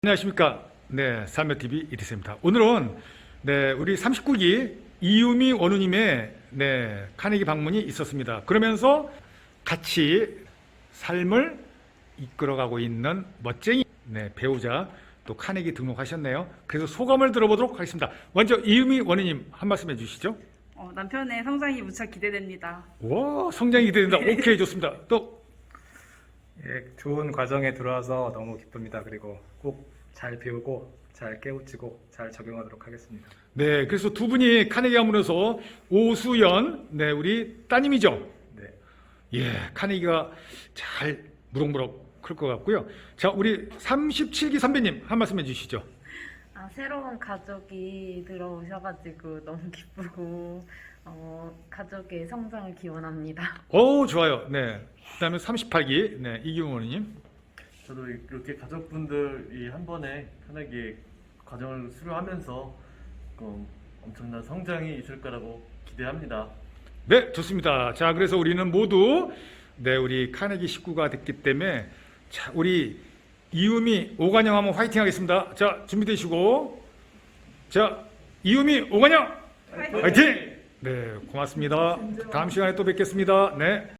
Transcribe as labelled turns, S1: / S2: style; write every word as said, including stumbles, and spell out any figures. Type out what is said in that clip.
S1: 안녕하십니까. 네, 살며티비 이리스입니다. 오늘은 네, 우리 삼십구 기 이유미 원우님의 네, 카네기 방문이 있었습니다. 그러면서 같이 삶을 이끌어가고 있는 멋쟁이 네, 배우자 또 카네기 등록하셨네요. 그래서 소감을 들어보도록 하겠습니다. 먼저 이유미 원우님 한 말씀 해주시죠.
S2: 어, 남편의 성장이 무척 기대됩니다.
S1: 와, 성장이 기대된다. 오케이, 좋습니다. 또
S3: 예, 좋은 과정에 들어와서 너무 기쁩니다. 그리고 꼭 잘 배우고 잘 깨우치고 잘 적용하도록 하겠습니다.
S1: 네, 그래서 두 분이 카네기 가문에서 오수연 네, 우리 따님이죠.
S3: 네,
S1: 예, 카네기가 잘 무럭무럭 클 것 같고요. 자, 우리 삼십칠 기 선배님 한 말씀 해주시죠.
S4: 아, 새로운 가족이 들어오셔가지고 너무 기쁘고 어, 가족의 성장을 기원합니다.
S1: 오, 좋아요. 네. 그다음에 삼십팔 기 네, 이기훈 원님.
S5: 저도 이렇게 가족분들이 한 번에 편하게 과정을 수료하면서 그 엄청난 성장이 있을 거라고 기대합니다.
S1: 네, 좋습니다. 자, 그래서 우리는 모두 네, 우리 카네기 식구가 됐기 때문에 자, 우리 이유미 오관영 한번 화이팅 하겠습니다. 자, 준비되시고 자, 이유미 오관영 화이팅! 화이팅! 네, 고맙습니다. 다음 시간에 또 뵙겠습니다. 네.